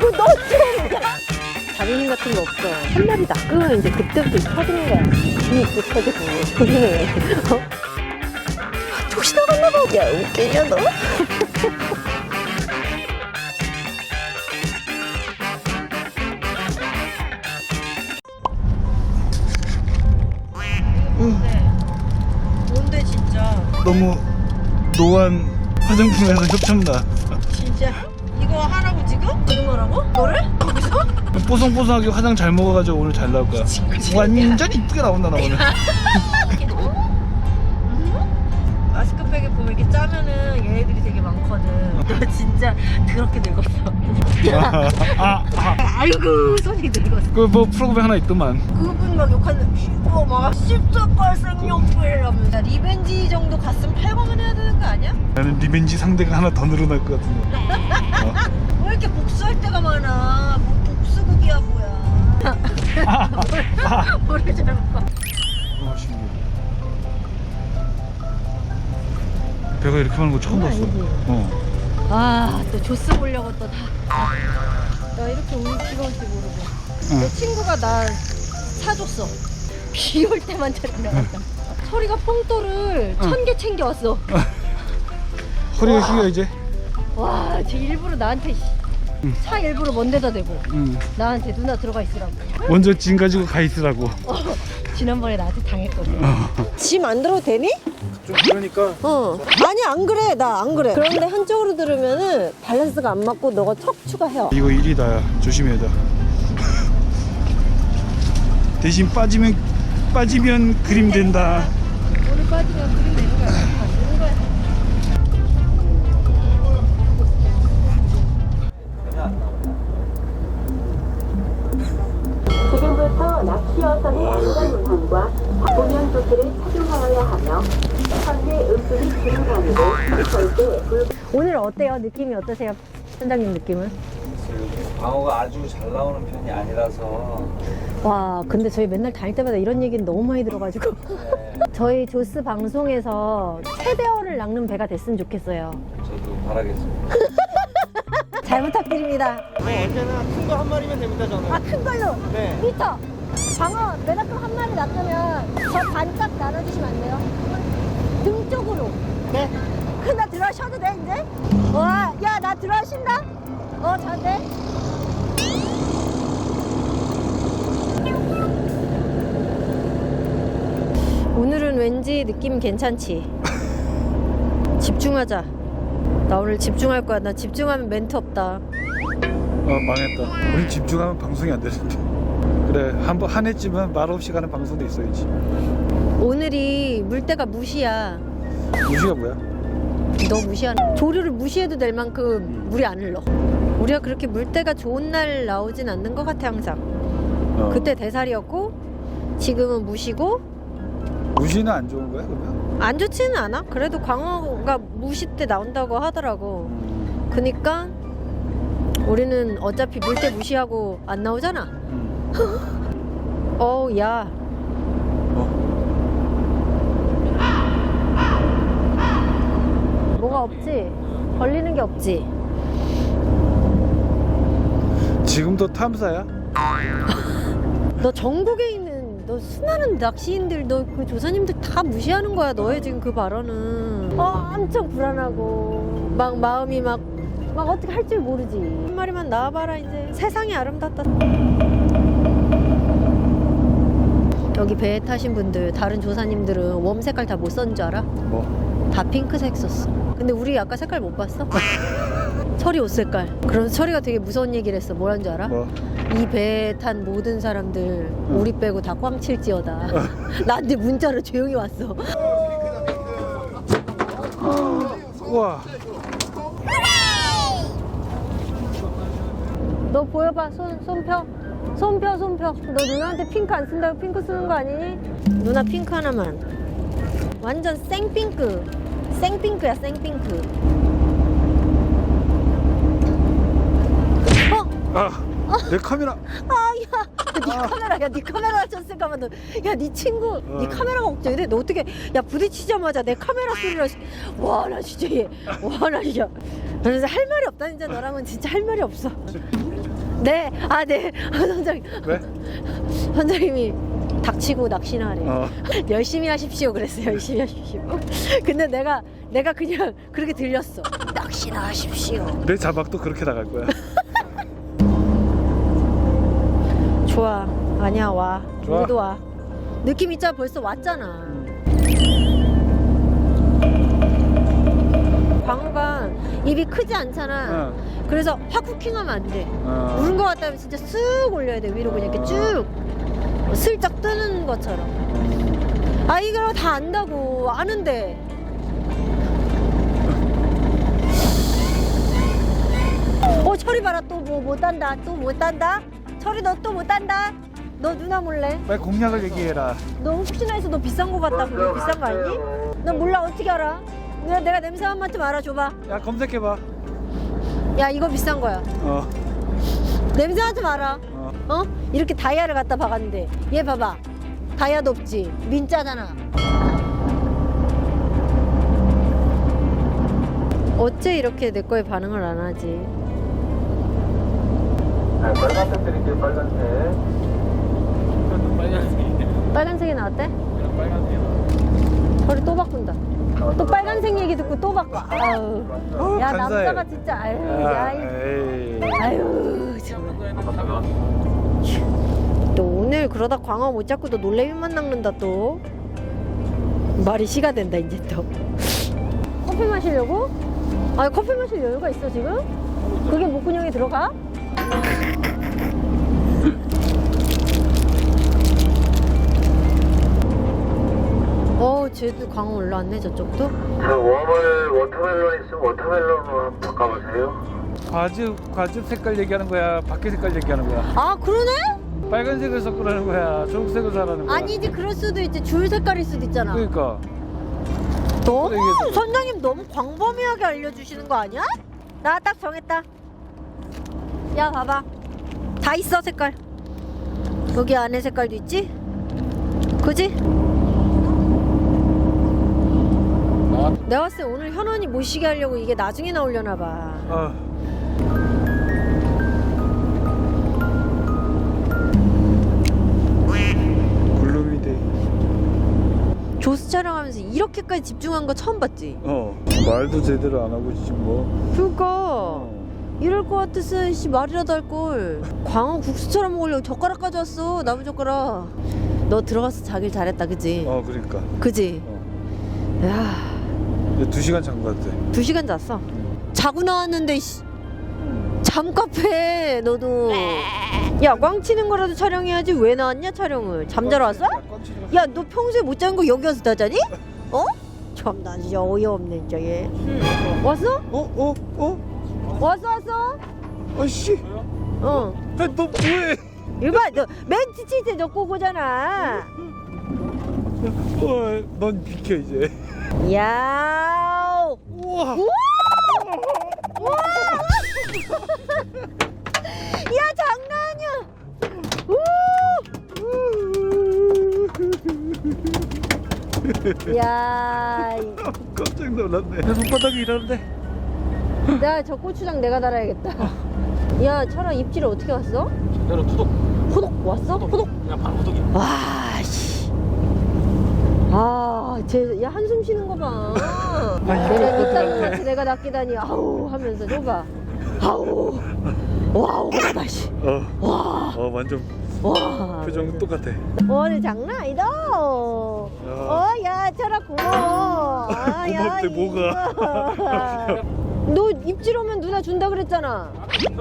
너 좀! 자존심 같은 거 없어. 한 마리 낚으면 이제 그때부터 터지는 거야. 이 입도 터지고, 조심해. 어? 혹시 나갔나 봐. 야, 웃기냐, 너? 뭔데, 진짜? 너무 노안 화장품에서 협찬다. 진짜? 이거 하라고 지금? 지금 하라고? 너를? 거기서? 뽀송뽀송하게 화장 잘 먹어가지고 오늘 잘 나올 거야. 완전 이쁘게 나온다 나 오늘. 마스크팩에 보면 이렇게 짜면은 얘네들이 되게 많거든. 너 진짜 더럽게 늙었어. 아이고 손이 늙었어. 그 뭐 프로그램 하나 있더만. 그분 막 욕하는데 막 씹쩍갈 생명불 하면서 리벤지 정도 갔으면 8검은 해야 되는 거 아니야? 나는 리벤지 상대가 하나 더 늘어날 것 같은데. 왜 이렇게 복수할 때가 많아? 뭐 복수극이야 뭐야. 모르잖아. 신기해. 배가 이렇게 많은 거 처음 봤어. 아, 또 조스 보려고 또 다. 나 이렇게 올 수가 올지 모르고. 내 친구가 나 사줬어. 비 올 때만 데려갔다. 서리가 뽕돌을 1000개 챙겨왔어. 허리가 휘어 이제. 와, 쟤 일부러 나한테 차 일부러 먼 데다 대고 나한테 누나 들어가 있으라고. 먼저 짐 가지고 가 있으라고. 지난번에 나한테 당했거든. 짐 안 들어도 되니? 좀 그러니까. 아니 안 그래, 나 안 그래. 그런데 한쪽으로 들으면은 밸런스가 안 맞고 너가 척추가 헤어. 이거 일이다. 조심해야 돼. 대신 빠지면 그림 된다. 오늘 빠지면 그림 되는 거야. 되는 거야. 지금부터 낚시어선의 안전운항과 보면 조치를 착용하여야 하며 현재 음식이 진행하고 절대 오늘 어때요? 느낌이 어떠세요? 선장님 느낌은? 방어가 아주 잘 나오는 편이 아니라서 와, 근데 저희 맨날 다닐 때마다 이런 얘기는 너무 많이 들어가지고 저희 조스 방송에서 최대어를 낚는 배가 됐으면 좋겠어요. 저도 바라겠습니다. 잘 부탁드립니다. 언제나 큰 거 한 마리면 됩니다 저는. 아, 큰 걸로? 네. 미터 방어 메다큼 한 마리 낚으면 저 반짝 나눠주시면 안 돼요? 등 쪽으로. 네. 그럼 나 들어셔도 돼 이제? 와, 야, 나 들어신다? 잘 돼? 오늘은 왠지 느낌 괜찮지? 집중하자. 나 오늘 집중할 거야. 나 집중하면 멘트 없다. 망했다. 우리 집중하면 방송이 안 되는데. 그래, 한 해쯤은 말 없이 가는 방송도 있어야지. 오늘이 물때가 무시야. 무시가 뭐야? 너 무시하는 조류를 무시해도 될 만큼 물이 안 흘러. 우리가 그렇게 물때가 좋은 날 나오진 않는 것 같아 항상. 그때 대살이었고 지금은 무시고. 무시는 안 좋은 거야 그러면? 안 좋지는 않아. 그래도 광어가 무시 때 나온다고 하더라고. 그니까 우리는 어차피 물때 무시하고 안 나오잖아. 어우, 야. 뭐가 없지? 걸리는 게 없지? 지금도 탐사야? 너 전국에 있는 너 수많은 낚시인들, 너 그 조사님들 다 무시하는 거야. 너의 지금 그 발언은 엄청 불안하고 막 마음이 막 어떻게 할 줄 모르지. 한 마리만 나와봐라. 이제 세상이 아름답다. 여기 배에 타신 분들, 다른 조사님들은 웜 색깔 다 못 썼는 줄 알아? 뭐? 다 핑크색 썼어. 근데 우리 아까 색깔 못 봤어? 철이 옷 색깔. 그럼 철이가 되게 무서운 얘기를 했어. 뭐란 줄 알아? 뭐? 이 배에 탄 모든 사람들 우리 빼고 다 꽝칠지어다. 나한테 문자로 조용히 왔어. 우와. 너 보여봐. 손 펴. 손 펴. 너 누나한테 핑크 안 쓴다고 핑크 쓰는 거 아니니? 누나 핑크 하나만. 완전 생핑크. 생핑크야, 생핑크. 내 카메라. 네 카메라 쳤을까봐. 야, 네 친구, 네 카메라가 걱정이 돼. 너 어떻게, 야, 부딪히자마자 내 카메라 소리를 와, 나 진짜 나 진짜. 그래서 할 말이 없다. 진짜 너랑은 진짜 할 말이 없어. 네, 아, 네. 선장님. 왜? 선장님이 닥치고 낚시나 하래. 열심히 하십시오. 그랬어요. 열심히 하십시오. 근데 내가 그냥 그렇게 들렸어. 낚시나 하십시오. 내 자막도 그렇게 나갈 거야. 좋아. 아니야, 와. 좋아. 우리도 와. 느낌 있잖아. 벌써 왔잖아. 광어가 입이 크지 않잖아. 그래서 확 쿠킹하면 안 돼. 우는 거 같다면 진짜 쓱 올려야 돼. 위로 그냥 이렇게 쭉 슬쩍 뜨는 것처럼. 아, 이거 다 안다고. 아는데. 철이 봐라. 또 뭐 못 단다. 또 못 단다. 철이 너 또 못 단다. 너 누나 몰래? 빨리 공략을 얘기해라. 너 혹시나 해서 너 비싼 거 같다. 그거 비싼 거 아니니? 너 몰라. 어떻게 알아? 내가 냄새 한 맛 좀 알아줘봐. 야, 검색해봐. 야, 이거 비싼 거야. 냄새 한 좀 알아. 어? 이렇게 다이아를 갖다 박았는데 얘 봐봐. 다이아도 없지. 민짜잖아. 어째 이렇게 내 거에 반응을 안 하지? 네, 빨간색 드릴게요. 빨간색. 빨간색이 나왔대? 빨간색. 허리 또 바꾼다. 또 빨간색 얘기 듣고 또 바꿔. 아유. 야, 간사해. 남자가 진짜. 아유. 야, 에이. 아유. 참. 또 오늘 그러다 광어 못 잡고 또 놀래미만 낚는다 또. 말이 시가 된다 이제 또. 커피 마시려고? 아, 커피 마실 여유가 있어 지금? 그게 목구멍에 들어가? 쟤도 광어 올라왔네 저쪽도. 저 웜을 워터멜론 있으면 워터멜론으로 한번 바꿔보세요. 과즙 색깔 얘기하는 거야? 밖에 색깔 얘기하는 거야? 아, 그러네? 빨간색을 섞으라는 거야? 초록색을 사라는 거야? 아니지, 그럴 수도 있지. 줄 색깔일 수도 있잖아. 그러니까. 너무 얘기해줘. 선장님 너무 광범위하게 알려주시는 거 아니야? 나 딱 정했다. 야, 봐봐. 다 있어 색깔. 여기 안에 색깔도 있지? 그지? 내가 봤을 때 오늘 현원이 못 쉬게 하려고 이게 나중에 나오려나 봐. 블루미데이. 조수 촬영하면서 이렇게까지 집중한 거 처음 봤지? 말도 제대로 안 하고 지금 뭐. 그러니까 이럴 것 같았으면 말이라도 할걸. 광어 국수처럼 먹으려고 젓가락 가져왔어. 나무젓가락. 너 들어가서 자길 잘했다 그지? 그러니까. 그지? 야, 2시간 잔 것 같아. 2시간 잤어. 자고 나왔는데 잠카페 너도. 야, 꽝 치는 거라도 촬영해야지. 왜 나왔냐 촬영을? 잠자러 왔어? 야, 너 평소에 못 자는 거 여기 와서 다 자니? 어? 참나 진짜 어이없네 진짜 얘. 왔어? 왔어? 아씨. 어. 너 뭐해? 이거 봐, 너 멘트 칠 때 너 꼬고잖아. 넌 비켜 이제. 야. 우와. 우와. 야, 장난 아니야. 야. 깜짝 놀랐네. 내 손바닥이 이러는데. 야, 저 고추장 내가 달아야겠다. 야, 철아 입질을 어떻게 왔어? 내가 호독 왔어? 호독? 그냥 바로 호독이야. 와, 씨. 아, 야, 한숨 쉬는 거 봐. 내가 이딴 거 같이 내가 낚이다니, 아우, 하면서, 저봐. 아우. 와우, 그러다, 씨. 와. 완전 와. 표정 똑같아. 오늘 장난 아니다. 야, 철아, 고마워. 고맙대, 뭐가. 너 입질 오면 누나 준다 그랬잖아.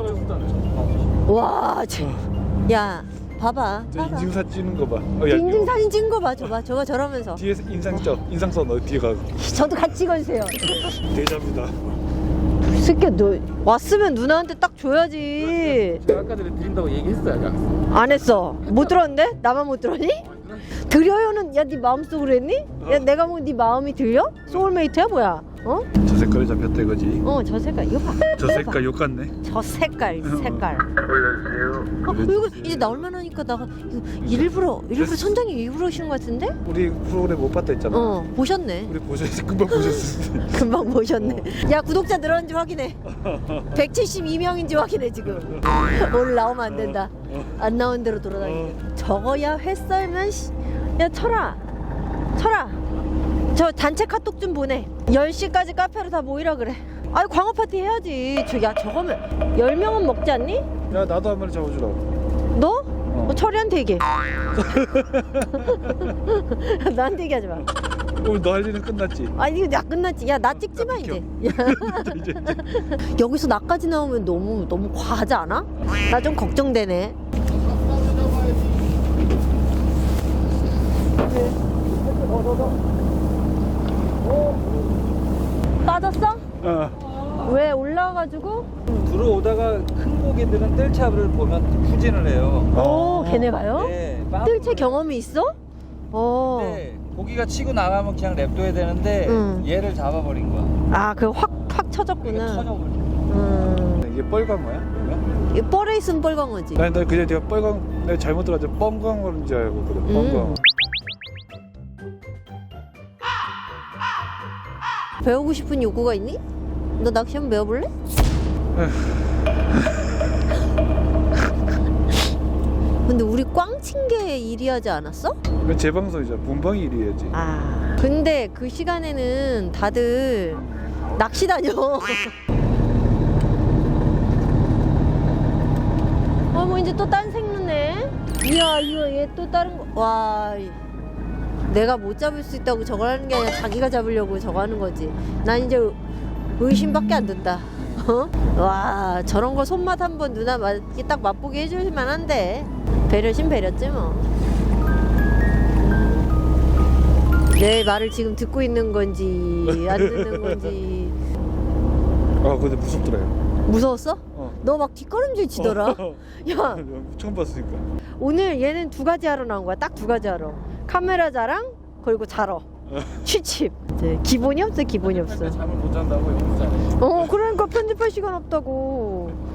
와, 야, 봐봐. 인증사진 찍는 거 봐. 인증 사진 찍은 거 봐. 저봐 저러면서. 뒤에 인상 써. 너 뒤에 가고. 저도 같이 찍어주세요. 대자뷰다. 새끼야, 너 왔으면 누나한테 딱 줘야지. 제가 아까 전에 드린다고 얘기했어요. 안 했어. 못 들었는데? 나만 못 들었니? 드려요는 야, 네 마음속으로 했니? 야, 내가 뭐 네 마음이 들려? 소울메이트야 뭐야? 어? 저 색깔이 잡혔다 이거지. 저 색깔 이거 봐. 저 색깔 욕 같네. 저 색깔 올려주세요. 이거 이제 나올만 하니까 나 이거 일부러 선장님 일부러 하시는 것 같은데? 우리 프로그램 못 봤다 했잖아. 보셨네. 우리 보셨어. 금방 보셨을 때. 금방 보셨네. 야 구독자 늘었는지 확인해. 172명인지 확인해 지금. 오늘 나오면 안 된다. 안 나온 대로 돌아다니게. 저거야 회 썰면 야 철아 저 단체 카톡 좀 보내. 10시까지 카페로 다 모이라 그래. 아이 광어 파티 해야지. 저거면 10명은 먹지 않니? 야 나도 한 마리 잡아주라고. 너? 철이한테 얘기해. 나한테 얘기하지 마. 오늘 너 할 일은 끝났지. 아니 이거 나 끝났지. 야 나 찍지 마 이제. 여기서 나까지 나오면 너무 과하지 않아? 나 좀 걱정되네. 빠졌어? 왜 올라와가지고? 들어오다가 큰 고기들은 뜰채를 보면 후진을 해요. 오 걔네 가요? 네, 뜰채 경험이 있어? 네, 고기가 치고 나가면 그냥 냅둬야 되는데 얘를 잡아버린 거야. 아 그 확 쳐졌구나. 터져버린 이게 뻘광어야? 그러면? 이 뻘에 있으면 뻘광어지. 나 그냥 내가 뻘광 내가 잘못 들어가지고 뻥광어인 줄 알고 그래. 뻥광어. 배우고 싶은 욕구가 있니? 너 낚시 한번 배워볼래? 근데 우리 꽝친 게 일이하지 않았어? 이건 제 방송이잖아. 본방이 일이야지. 아 근데 그 시간에는 다들 낚시 다녀. 뭐 이제 또 딴 생루네. 이야 이거 얘 또 다른 거. 와 내가 못 잡을 수 있다고 저걸 하는 게 아니라 자기가 잡으려고 저거 하는 거지. 난 이제 의심밖에 안 든다. 와 저런 거 손맛 한번 누나 딱 맛보게 해줄 만한데. 배려심 배렸지 뭐. 내 말을 지금 듣고 있는 건지 안 듣는 건지. 아 근데 무섭더라. 무서웠어? 너 막 뒷걸음질 치더라. 야 처음 봤으니까. 오늘 얘는 두 가지 하러 나온 거야. 딱 두 가지 하러. 카메라 자랑 그리고 자러. 취침. 네, 기본이 없어 기본이 없어. 잠을 못 잔다고 여기서. 그러니까 편집할 시간 없다고.